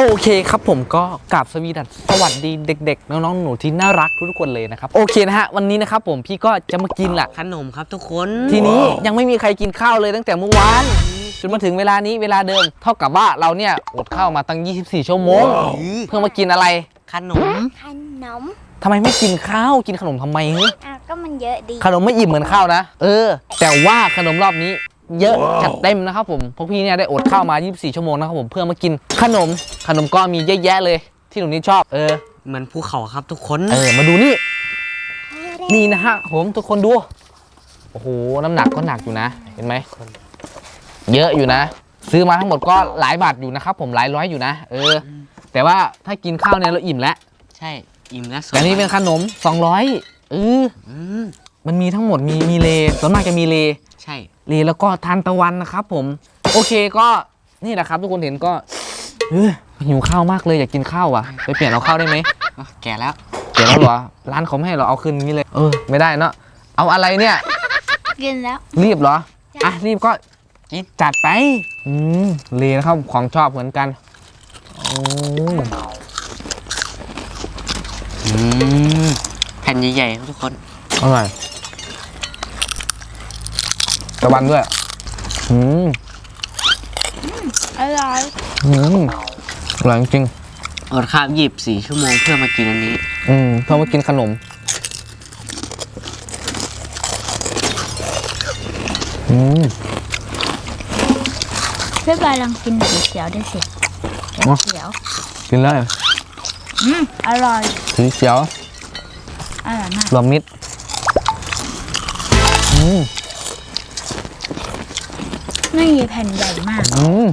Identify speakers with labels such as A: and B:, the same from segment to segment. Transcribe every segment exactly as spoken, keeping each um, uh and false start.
A: โอเคครับผมก็กราบสวีดัสสวัสดีเด็กๆน้องๆหนูที่น่ารักทุกคนเลยนะครับโอเคนะฮะวันนี้นะครับผมพี่ก็จะมากินแหละ
B: ขนมครับทุกคน
A: ทีนี้ยังไม่มีใครกินข้าวเลยตั้งแต่เมื่อวานจนมาถึงเวลานี้เวลาเดิมเท่ากับว่าเราเนี่ยอดข้าวมาตั้งยี่สิบสี่ชั่วโมงเพื่อมากินอะไร
B: ขนม
C: ขนม
A: ทำไมไม่กินข้าวกินขนมทำไมเฮ้ย
C: อ่ะก็มันเยอะดี
A: ขนมไม่อิ่มเหมือนข้าวนะเออแต่ว่าขนมรอบนี้เยอะจัดเต็มนะครับผมเพราะพี่เนี่ยได้อดข้าวมายี่สิบสี่ชั่วโมงนะครับผมเพื่อมากินขนมขนมก็มีเยอะแยะเลยที่หนูนี่ชอบเออ
B: เหมือนภูเขาครับทุกคน
A: เออมาดูนี่นี่นะฮะผมทุกคนดูโอ้โหน้ำหนักก็หนักอยู่นะเห็นไหมเยอะอยู่นะซื้อมาทั้งหมดก็หลายบาทอยู่นะครับผมหลายร้อยอยู่นะเออแต่ว่าถ้ากินข้าวเนี่ยเราอิ่มแล้ว
B: ใช่อิ่มแล้ว
A: แต่นี่เป็นขนมสองร้อยเออมันมีทั้งหมดมีมีเลส่วนมากจะมีเล
B: ใช่
A: เลแล้วก็ทานตะวันนะครับผมโอเคก็นี่แหละครับทุกคนเห็นก็เออหิวข้าวมากเลยอยากกินข้าวอ่ะไปเปลี่ยนเอาข้าวได้ไหม
B: แก่แล้ว
A: แก่แล้วเหรอร้านเขาไม่ให้เราเอาคืนนี้เลยเออไม่ได้เนาะเอาอะไรเนี่ย
C: กินแล้ว
A: รีบเหรออ่ะรีบก็กินจัดไปอืมเลนะครับของชอบเหมือนกันอืม
B: อืมแผ่นใหญ่ๆครับทุกคน
A: อร่อยตะวันด้วยอืม
C: อร่อย
A: อืมอร่อยจริง
B: อดข้าวยี่สิบสี่ชั่วโมงเพื่อมากินอันนี้
A: อืมเพื่อมากินขนมอืม
C: พี่บอยลองกินสีเขียวด้วยสิสีเขียว
A: กินเลย
C: อืมอร่อย
A: สีเขียว
C: อร่อยมาก
A: รวมมิตรอืม
C: ไม่มีแผ่นใหญ่มาก
A: อืม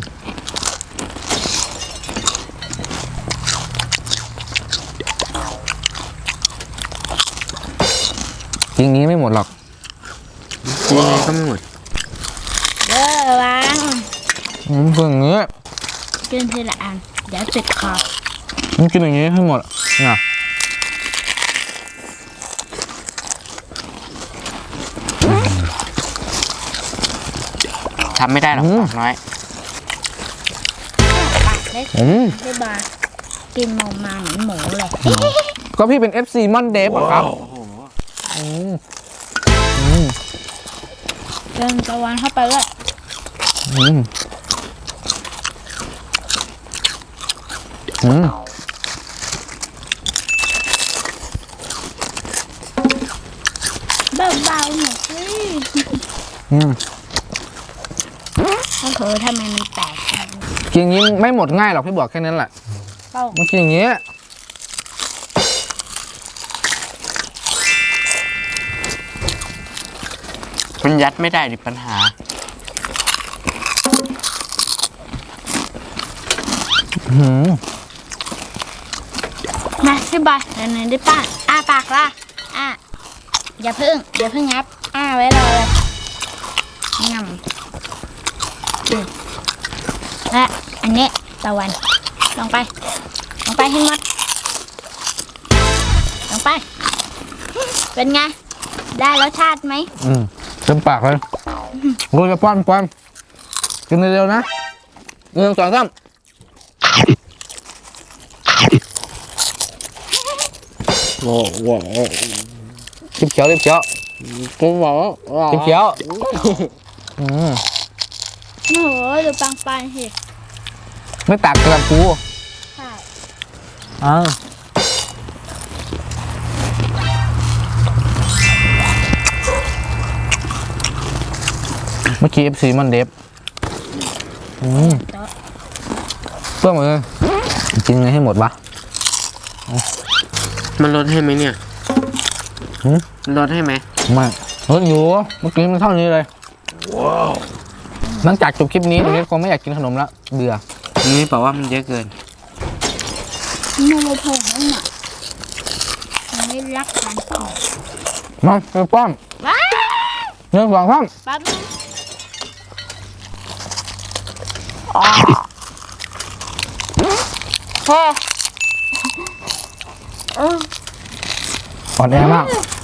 A: จริงนี้ไม่หมดหรอก
B: ยังไงก็ไม่หมด
C: เออวาง
A: อืมคืออย่างนี้
C: กินทีละอันเดี๋ยวติดคอ
A: มันกินอย่างนี้ให้หมดเนี่ย
B: ทำไม่ได้หรอกน้อย
C: ปากเล็กพี่บอยกินมองมาเหมือนหมูเลย
A: ก็พี่เป็น เอฟ ซี มอนเดฟครับอืมอืม
C: เดินตะวันเข้าไปเลย
A: อืมอืม
C: เบาๆหน่อยสิ
A: อืม
C: แล้วเธอทำไมมันแตก
A: กินอย่างนี้ไม่หมดง่ายหรอกพี่บอกแค่นั้นแหละมันกินอย่างนี้
B: มันยัดไม่ได้ดิปัญหา
C: มาพี่บอยเดี๋ยวไหนได้ป้าอ้าปากละอ้าอย่าพึ่งอย่าพึ่งงับอ้าไว้รอเลยงำและอันนี้ตะวันลงไปลงไปให้หมดลงไปเป็นไงได้รสชาติไหม
A: อืมเต็มปากเลยกูจะป้อนป้อนกินเร็วๆนะหนึ่งสองสาม
B: โอ้โห
A: จิบเขียวจิบเขียว
B: กูบอก
A: จิบเขียวอืม
C: โอ้โหดูปังปังสิ
A: ไม่ตักกระปู
C: ใช่
A: อ่าเมื่อกี้ เอฟ ซี มันเดฟอืมเพิ่มเลยกินไงให้หมดวะ
B: มันลดให้ไหมเนี่ยลดให้ไหม
A: ไม่ลดอยู่เมื่อกี้มันเท่านี้เลยว้าวหลังจากจบคลิปนี้ตรงนี้คงไม่อยากกินขนมแล้วเบื่อ
B: นี่บอกว่ามันเยอะเกิน
C: มันเลยเพิ่มให้หน่อยมันไม่รักกัน
A: มาไปป้อมหนึ่งสองสาม
C: ปั๊บพอ
A: อ่อนแอมาก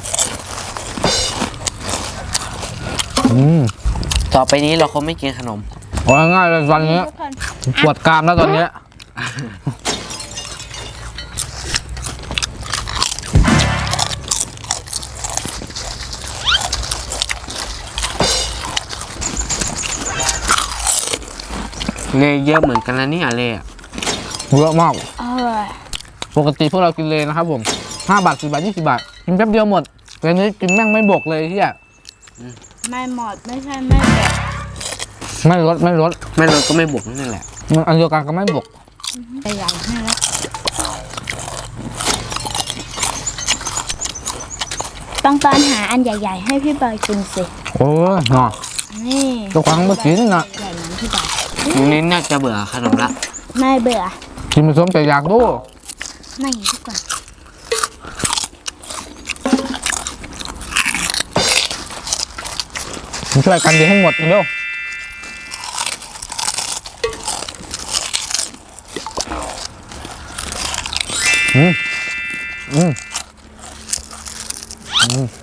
A: อืม
B: ต่อไปนี้เราคงไม่กินขนม
A: โอ้ง่ายเลยตอนนี้ปวดกรามแล้วตอนนี้
B: เลเยอะเหมือนกันนะเนี่ยเลอะ
A: เยอะมาก
C: อร่อย
A: ปกติพวกเรากินเลยนะครับผมห้าบาทสิบบาทยี่สิบบาทกินแป๊บเดียวหมดแต่นี้กินแม่งไม่บกเลยที่อ่ะ
C: ไม่หมดไม่ใช่ไม่แบบ
A: ไม่ลดไม่ลด
B: ไม่ลดก็ไม่บวกนั่นแหละ
A: มันอันเดียวกันก็ไม่บก
C: ใหญ่ๆให้แล้วต้องตอนหาอันใหญ่ ๆ ให้พี่บอยกินสิ
A: โอ้ยเนาะ
C: นี่
A: ตัวครั้งเมื่อกี้นี่นะ
C: ใหญ่เหมือนพี่บอย
B: ทีนี้น่าจะเบื่อขนมละ
C: ไม่เบื่อ
A: กินผสมใจอยากดู
C: ไม่ดีกว่า
A: ช่วยกันดีให้หมดเร็วอืมอืมอืม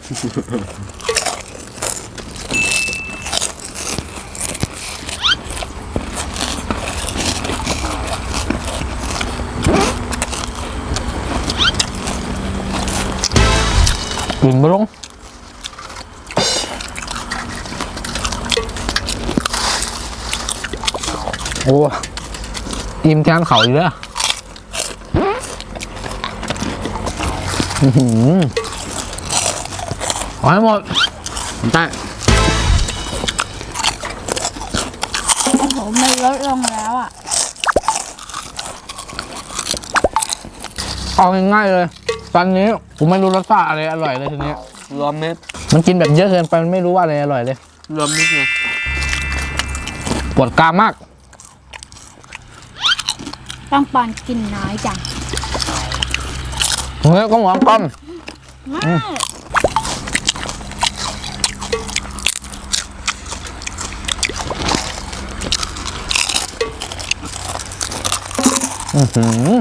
A: กินบ่ลงโอ้อิ่มแทนเขาอยู่แล้วอื้อหือเอาให้หมด
B: ได้
C: โอ้โหมันลดลงแล้วอ่ะ
A: เอาง่ายๆเลยตอนนี้ผมไม่รู้รสชาติอะไรอร่อยเลยทีนี้
B: รวมมิตร
A: มันกินแบบเยอะเกินไปมันไม่รู้ว่าอะไรอร่อยเลย
B: รวมมิตรไง
A: ปวดกรามมาก
C: ต้องปอนกินน้อยจัง
A: เฮ้ยก็หวานก้อม
C: ไม่
A: อื้อหือ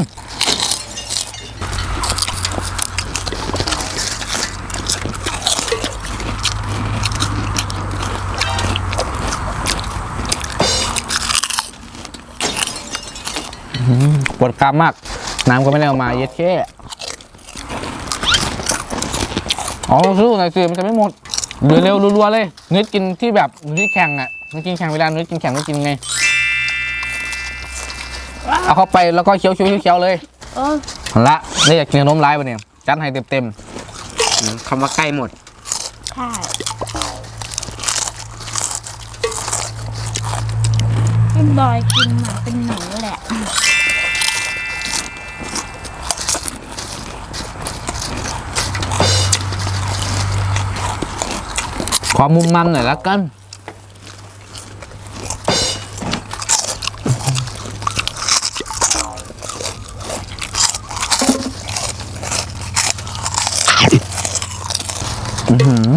A: ปวดกรามมาก น้ำก็ไม่ได้เอามาเย็ดแค่อ๋อซื้อหน่อยสิมันจะไม่หมดเดี๋ยวเร็วรัวๆเลยนึกกินที่แบบนึกแข่งอ่ะนึกกินแข่งเวลานึกกินแข่งนึกกินไง เอาเข้าไปแล้วก็เคี้ยวๆเคี้ยวๆเลย
C: โอ้
A: เอาละนี่อยากกินขนมร้ายปะเนี่ยจัดให้เต็ม
B: คำว่าใกล้หมด
C: ใช่พี่บอยกินเหมือนเป็นหนูแหละ
A: ๆขอมุมมันหน่อยละกันอื้อหือ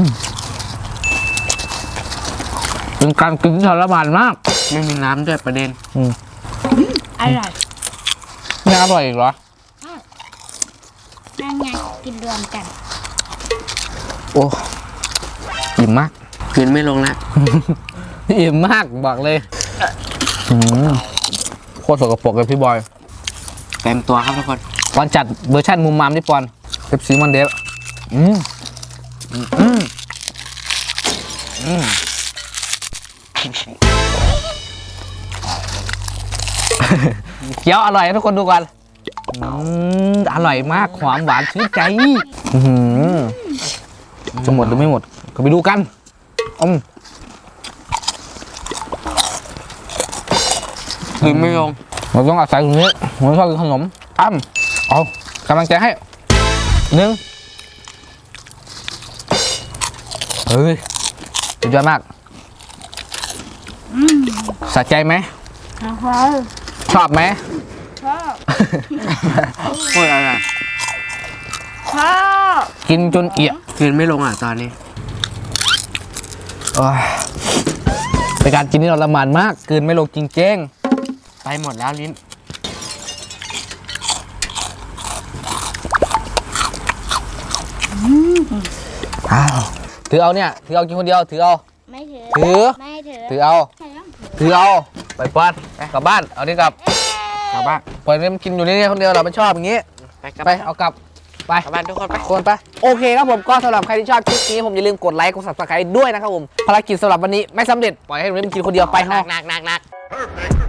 A: เป็นการกินที่ทรมานมาก
B: ไม่มีน้ำด้วยประเด็น
A: อืม
C: อร่อย
A: ไม่อร่อยอีกเหรอ
C: นั่นไงกินรวมกัน
A: โอ้อิ่มมาก
B: กินไม่ลงแล้ว
A: อิ่มมากบอกเลยอืมโคตรสกปรกเลยพี่บอย
B: เต็มตัวครับทุกคน
A: ปอนจัดเวอร์ชันมุมมามที่ปอนเซฟซีมอนเดฟอืมอืมอืมอืมเคี้ยวอร่อยให้ทุกคนดูก่อนอืมอร่อยมากหอมหวานชื่นใจอื้อหือจะหมดหรือไม่หมด ก็ไปดูกันอม
B: กินไม่ลง
A: เราต้องอาศัยตรงนี้ผมชอบกินขนมอ้ำเอากำลังใจให้หนึ่งเฮ้ยสุดยอดมากสะใจไหม
C: นะครับ
A: ชอบไหม
C: ชอบ
B: โคตรอร่อย
C: ชอบ
A: กินจนเอี่ย
B: กินไม่ลงอ่ะตอนนี้
A: โอ้ยเป็นการกินที่เราละมานมากเกินไม่ลงจริงเจ้ง
B: ไปหมดแล้วลิ้น
A: อ้าวถือเอาเนี่ยถือเอากินคนเดียวถือเอา
C: ไม่ถือ
A: ถือ
C: ไม่ถือ
A: ถือเอา
C: ใช่ต้องถือ
A: ถือเอาไปปอนกลับบ้านเอานี่กลับ
B: กลับบ้าน
C: เ
A: ปล่อยมันกินอยู่นี่คนเดียวเราไม่ชอบอย่างงี้
B: ไปกลับ
A: ไปเอากลับไป
B: กลับบ้านทุกคนไป
A: คนไปโอเคครับผมก็สำหรับใครที่ชอบคลิปนี้ผมอย่าลืมกดไลค์กด ซับสไครบ์ ด้วยนะครับผมภารกิจสำหรับวันนี้ไม่สำเร็จปล่อยให้มันกินคนเดียวไป
B: หนั
A: ห้
B: ก
A: อง
B: หนักหนักหนัก
D: Perfect.